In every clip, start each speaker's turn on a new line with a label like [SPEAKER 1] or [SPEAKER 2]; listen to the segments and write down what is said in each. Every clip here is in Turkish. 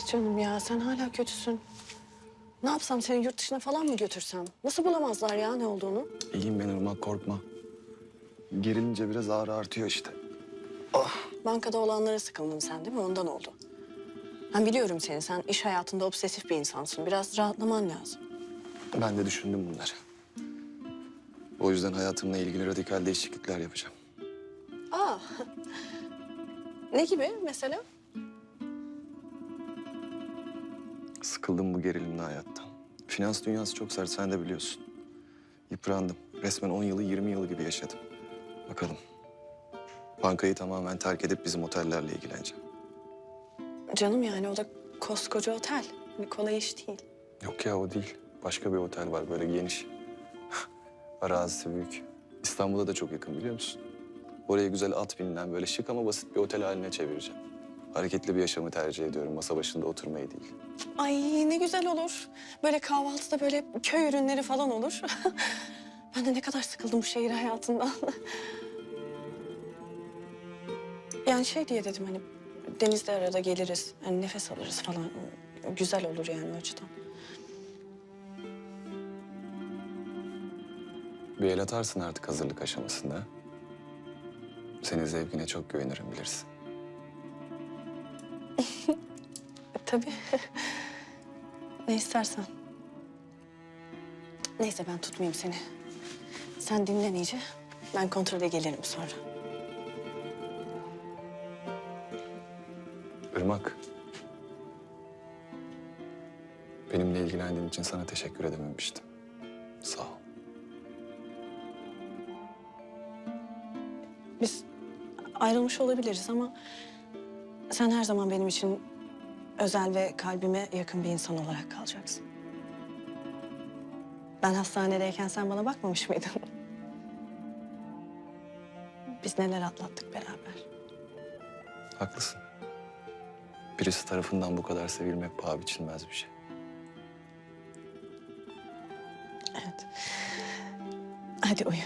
[SPEAKER 1] canım ya, sen hala kötüsün. Ne yapsam, seni yurt dışına falan mı götürsem? Nasıl bulamazlar ya ne olduğunu?
[SPEAKER 2] İyiyim ben Irmak, korkma. Gerilince biraz ağrı artıyor işte.
[SPEAKER 1] Bankada olanlara sıkıldın sen değil mi? Ondan oldu. Ben biliyorum seni. Sen iş hayatında obsesif bir insansın. Biraz rahatlaman lazım.
[SPEAKER 2] Ben de düşündüm bunları. O yüzden hayatımla ilgili radikal değişiklikler yapacağım.
[SPEAKER 1] Aa. Ne gibi mesela?
[SPEAKER 2] Sıkıldım bu gerilimli hayattan. Finans dünyası çok sert, sen de biliyorsun. Yıprandım. Resmen 10 yılı 20 yılı gibi yaşadım. Bakalım. Bankayı tamamen terk edip bizim otellerle ilgileneceğim.
[SPEAKER 1] Canım yani o da koskoca otel. Bir kolay iş değil.
[SPEAKER 2] Yok ya, o değil. Başka bir otel var böyle geniş. Arazisi büyük. İstanbul'a da çok yakın, biliyor musun? Oraya güzel at binilen böyle şık ama basit bir otel haline çevireceğim. Hareketli bir yaşamı tercih ediyorum. Masa başında oturmayı değil.
[SPEAKER 1] Ay ne güzel olur. Böyle kahvaltıda böyle köy ürünleri falan olur. Ben de ne kadar sıkıldım bu şehir hayatından. Yani şey diye dedim hani denizde arada geliriz. Hani nefes alırız falan. Güzel olur yani o açıdan.
[SPEAKER 2] Bir el atarsın artık hazırlık aşamasında. Senin zevkine çok güvenirim, bilirsin.
[SPEAKER 1] Tabii. Ne istersen. Neyse ben tutmayayım seni. Sen dinlen iyice. Ben kontrole gelirim sonra.
[SPEAKER 2] Irmak. Benimle ilgilendiğin için sana teşekkür edememiştim. Sağ ol.
[SPEAKER 1] Biz ayrılmış olabiliriz ama sen her zaman benim için özel ve kalbime yakın bir insan olarak kalacaksın. Ben hastanedeyken sen bana bakmamış mıydın? Biz neler atlattık beraber.
[SPEAKER 2] Haklısın. Birisi tarafından bu kadar sevilmek paha biçilmez bir şey.
[SPEAKER 1] Evet. Hadi uyu.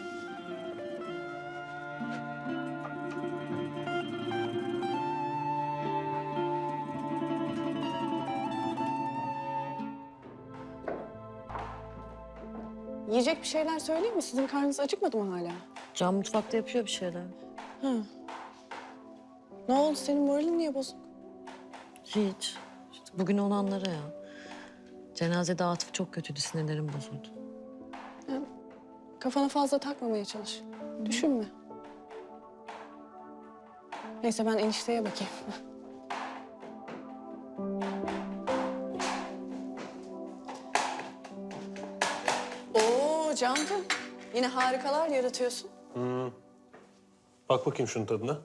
[SPEAKER 1] Yiyecek bir şeyler söyleyeyim mi? Sizin karnınız acıkmadı mı hala?
[SPEAKER 3] Can mutfakta yapıyor bir şeyler.
[SPEAKER 1] Ne oldu? Senin moralin niye bozuk?
[SPEAKER 3] Hiç. İşte bugün olanlara ya. Cenazede Atıf çok kötüydü, sinirlerim bozuldu.
[SPEAKER 1] Kafana fazla takmamaya çalış. Düşünme. Neyse ben enişteye bakayım. Oo Cancığım. Yine harikalar yaratıyorsun.
[SPEAKER 4] Bak bakayım şunun tadına.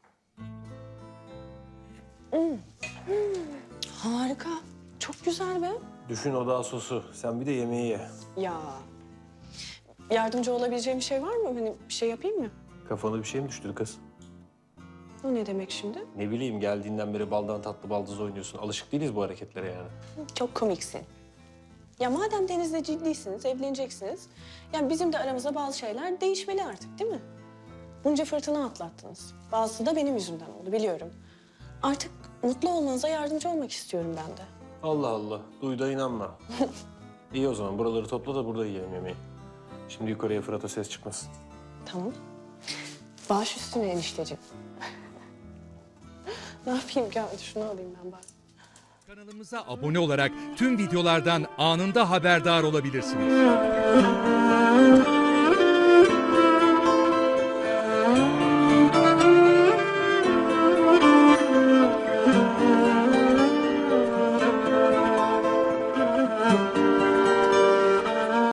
[SPEAKER 1] Harika. Çok güzel be.
[SPEAKER 4] Düşün o da sosu. Sen bir de yemeği ye.
[SPEAKER 1] Ya. Yardımcı olabileceğim bir şey var mı? Hani bir şey yapayım mı?
[SPEAKER 4] Kafana bir şey mi düştü kız?
[SPEAKER 1] O ne demek şimdi?
[SPEAKER 4] Ne bileyim, geldiğinden beri baldan tatlı baldız oynuyorsun. Alışık değiliz bu hareketlere yani.
[SPEAKER 1] Çok komiksin. Ya madem Deniz'le ciddisiniz, evleneceksiniz... yani bizim de aramızda bazı şeyler değişmeli artık değil mi? Bunca fırtına atlattınız. Bazısı da benim yüzümden oldu biliyorum. Artık mutlu olmanıza yardımcı olmak istiyorum ben de.
[SPEAKER 4] Allah Allah. Duy da inanma. İyi o zaman buraları topla da burada yiyelim yemeği. Şimdi yukarıya Fırat'a ses çıkmasın.
[SPEAKER 1] Tamam. Baş üstüne enişteciğim. Ne yapayım ki? Hadi şunu alayım ben bari.
[SPEAKER 5] Kanalımıza abone olarak tüm videolardan anında haberdar olabilirsiniz.